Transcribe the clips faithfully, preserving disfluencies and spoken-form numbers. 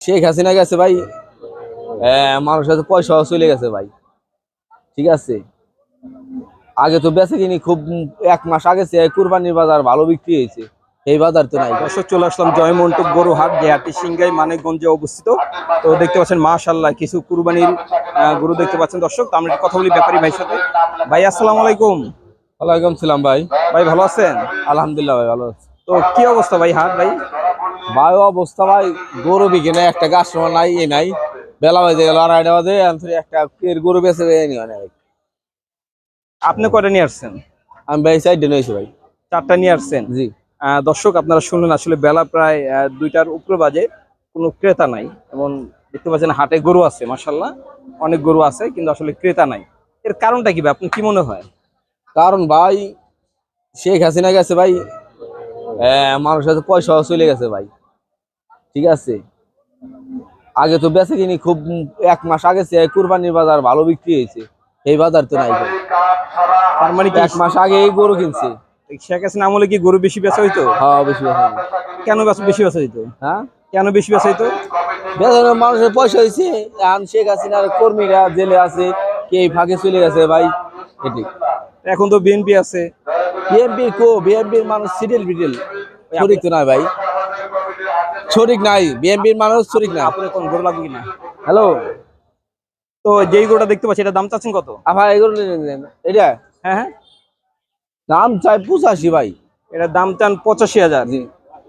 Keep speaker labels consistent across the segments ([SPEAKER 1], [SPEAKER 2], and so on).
[SPEAKER 1] শেখ হাসিনা গেছে ভাই, মানুষ কাছে পয়সা চলে গেছে ভাই। ঠিক আছে, আগে তো বেচে কিনি খুব, এক মাস আগে কুরবানির বাজার ভালো বিক্রি হয়েছে, এই বাজার তো নাই।
[SPEAKER 2] দর্শক চলে আসলাম জয়মন্টপ গরু হাট, যে হাটটি সিংগাই মানিকগঞ্জে অবস্থিত। তো দেখতে পাচ্ছেন মাশাআল্লাহ কিছু কুরবানির গরু দেখতে পাচ্ছেন দর্শক। তো আমরা একটু কথা বলি ব্যাপারী ভাইয়ের সাথে। ভাই আসসালামু আলাইকুম।
[SPEAKER 1] ওয়ালাইকুম সালাম ভাই।
[SPEAKER 2] ভাই ভালো আছেন?
[SPEAKER 1] আলহামদুলিল্লাহ ভাই ভালো আছে।
[SPEAKER 2] তো কি অবস্থা ভাই হাট ভাই?
[SPEAKER 1] ভাই অবস্থা ভাই, গরু বিকে নাই, একটা কাস্টমার নাই, এ নাই, বেলা বাজে গেল আড়াইটা বাজে, একটা গরু বেচে ভাই।
[SPEAKER 2] আপনি কয়টা নিয়ে আসছেন?
[SPEAKER 1] আমি ভাই সাইডে নিয়েছি ভাই,
[SPEAKER 2] চারটা নিয়ে আসছেন।
[SPEAKER 1] জি
[SPEAKER 2] দর্শক আপনারা শুনলেন, আসলে বেলা প্রায় দুইটার উপরে বাজে, কোনো ক্রেতা নাই। এবং দেখতে পাচ্ছেন হাটে গরু আছে মাশাআল্লাহ, অনেক গরু আছে, কিন্তু আসলে ক্রেতা নাই। এর কারণটা কি ভাই, আপনি কি মনে হয়?
[SPEAKER 1] কারণ ভাই শেখ হাসিনা গেছে ভাই, মানুষ কাছে পয়সা চলে গেছে ভাই। ঠিক আছে, আগে তো বেচে কিনি খুব, এক মাস আগে কুরবানির বাজার ভালো বিক্রি হয়েছে, এই বাজার তো নাই।
[SPEAKER 2] তার মানে কি
[SPEAKER 1] এক মাস আগে এই গরু কিনছে।
[SPEAKER 2] শেখ হাসিনা আমলে কি গরু বেশি বেচা হইতো?
[SPEAKER 1] হ্যাঁ বেশি বেচা।
[SPEAKER 2] কেন বেশি বেচা হইতো?
[SPEAKER 1] হ্যাঁ
[SPEAKER 2] কেন বেশি বেচা হইতো?
[SPEAKER 1] বেচার মানুষের পয়সা হয়েছে, এখন শেখ হাসিনার কর্মীরা জেলে আছে, কে ফাঁকে চলে গেছে ভাই। এটি
[SPEAKER 2] এখন তো বিএনপি আছে।
[SPEAKER 1] বিএনপি কো, বিএনপির মানুষ সিডিল বিডিল শরিক তো নাই ভাই, শরিক নাই, বিএনপির মানুষ শরিক না।
[SPEAKER 2] আপনার কোন গরু লাগবে কিনা?
[SPEAKER 1] হ্যালো,
[SPEAKER 2] তো যেই গরুটা দেখতে পাচ্ছি এটা দাম চাচ্ছেন কত?
[SPEAKER 1] আবার এগুলো এটা
[SPEAKER 2] হ্যাঁ হ্যাঁ
[SPEAKER 1] দাম চাই পঁচাশি ভাই।
[SPEAKER 2] এটা দাম চান পঁচাশি হাজার।
[SPEAKER 1] জি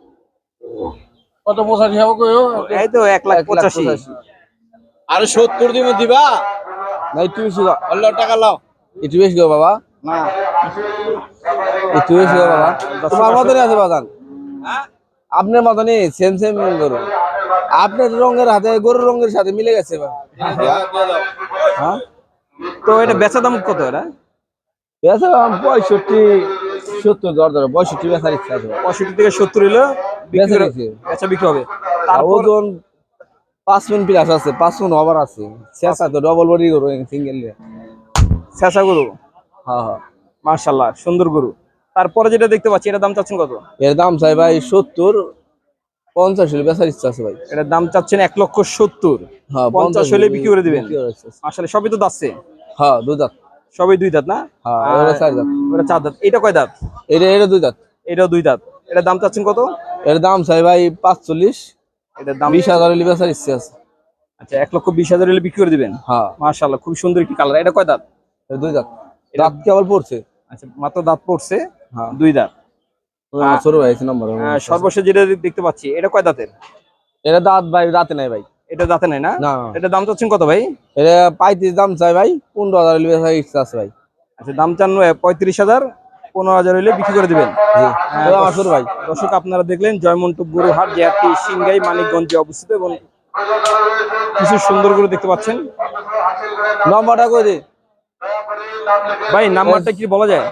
[SPEAKER 1] কত পঁচাশি হবে?
[SPEAKER 2] এই তো এক লাখ পঁচাশি।
[SPEAKER 1] আরে সত্তর দিবে দিবা না, একটু বেশি টাকা লাও, একটু বেশি গো বাবা,
[SPEAKER 2] না
[SPEAKER 1] একটু বেশি গো বাবা। তোমার মতনই আছে বাজান, আপনার মতনই সেম সেম গরু, আপনার রঙের হাতে গরুর রঙের সাথে মিলে গেছে।
[SPEAKER 2] হ্যাঁ, তো এটা বেচা দাম কত? এটা
[SPEAKER 1] বেচা দাম পঁয়ষট্টি সত্তর, দর দর পঁয়ষট্টি বেচার ইচ্ছা আছে।
[SPEAKER 2] পঁয়ষট্টি থেকে সত্তর হলে বেচা বিক্রি হবে। তার
[SPEAKER 1] ওজন পাঁচ মিনিট প্লাস আছে, পাঁচ মিনিট ওভার আছে। শেষা তো ডবল বডি গরু, সিঙ্গেল
[SPEAKER 2] শেষা গরু।
[SPEAKER 1] হ্যাঁ হ্যাঁ
[SPEAKER 2] মাশাআল্লাহ সুন্দর গরু। তারপরে যেটা দেখতে পাচ্ছি এটার দাম চাচ্ছেন কত?
[SPEAKER 1] এর দাম চাই ভাই সত্তর, পঞ্চাশ হলে বেচার ইচ্ছা আছে ভাই।
[SPEAKER 2] এটার দাম চাচ্ছেন এক লক্ষ সত্তর।
[SPEAKER 1] হ্যাঁ
[SPEAKER 2] পঞ্চাশ হলে বিক্রি করে দিবেন। আসলে সবই তো দাঁতছে।
[SPEAKER 1] হ্যাঁ দুই দাঁত,
[SPEAKER 2] সবই দুই দাঁত না?
[SPEAKER 1] হ্যাঁ এটা চার দাঁত,
[SPEAKER 2] ওটা চার দাঁত। এটা কয় দাঁত?
[SPEAKER 1] এটা এটা দুই দাঁত,
[SPEAKER 2] এটাও দুই দাঁত। এটার দাম চাচ্ছেন কত?
[SPEAKER 1] এর দাম চাই ভাই পাঁচচল্লিশ,
[SPEAKER 2] এটার দাম
[SPEAKER 1] বিশ হাজার হলে বেচার ইচ্ছা আছে।
[SPEAKER 2] আচ্ছা, এক লক্ষ বিশ হাজার হলে বিক্রি করে দিবেন।
[SPEAKER 1] হ্যাঁ
[SPEAKER 2] মাশাআল্লাহ খুব সুন্দর একটি কালার। এটা কয় দাঁত?
[SPEAKER 1] দুই দাঁত, দাঁত কেবল পড়ছে।
[SPEAKER 2] আচ্ছা, মাত্র দাঁত পড়ছে।
[SPEAKER 1] হ্যাঁ
[SPEAKER 2] দুই দাঁত।
[SPEAKER 1] ছোট ভাই নম্বর
[SPEAKER 2] সর্বশেষ যেটা দেখতে পাচ্ছি এটা কয় দাঁতের?
[SPEAKER 1] এটা দাঁত ভাই দাঁতে নাই ভাই।
[SPEAKER 2] এটা দাঁতে নাই না?
[SPEAKER 1] না।
[SPEAKER 2] এটা দাম চাচ্ছেন কত ভাই?
[SPEAKER 1] এটা পঁয়ত্রিশ দাম চাই ভাই, পনেরো হাজার হলে বেচার ইচ্ছা আছে ভাই।
[SPEAKER 2] আচ্ছা, দাম চান পঁয়ত্রিশ হাজার, পনেরো হাজার হলে বিক্রি করে দিবেন।
[SPEAKER 1] আমার ছোট ভাই।
[SPEAKER 2] দর্শক আপনারা দেখলেন জয়মন্টপ গরু হাট, যে হাটটি সিংগাই মানিকগঞ্জে অবস্থিত, এবং কিছু সুন্দর গরু দেখতে পাচ্ছেন।
[SPEAKER 1] নম্বরটা কই দে
[SPEAKER 2] ভাই, নাম্বারটা কি বলা যায়?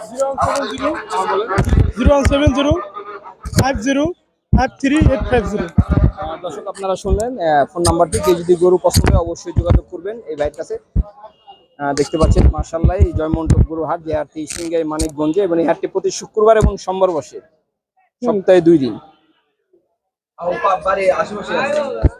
[SPEAKER 3] Zero one seven zero five zero five three eight five zero.
[SPEAKER 2] দর্শক আপনারা শুনলেন ফোন নাম্বারটি, কেউ যদি গরু পছন্দ হয় অবশ্যই যোগাযোগ করবেন এই ভাইয়ের কাছে। দেখতে পাচ্ছেন মাশাআল্লাহ জয়মন্টপ গরু হাট, যে হাটটি সিংগাই মানিকগঞ্জে, এবং এই হাটটি প্রতি শুক্রবার এবং সোমবার বসে, সপ্তাহে দুই দিন।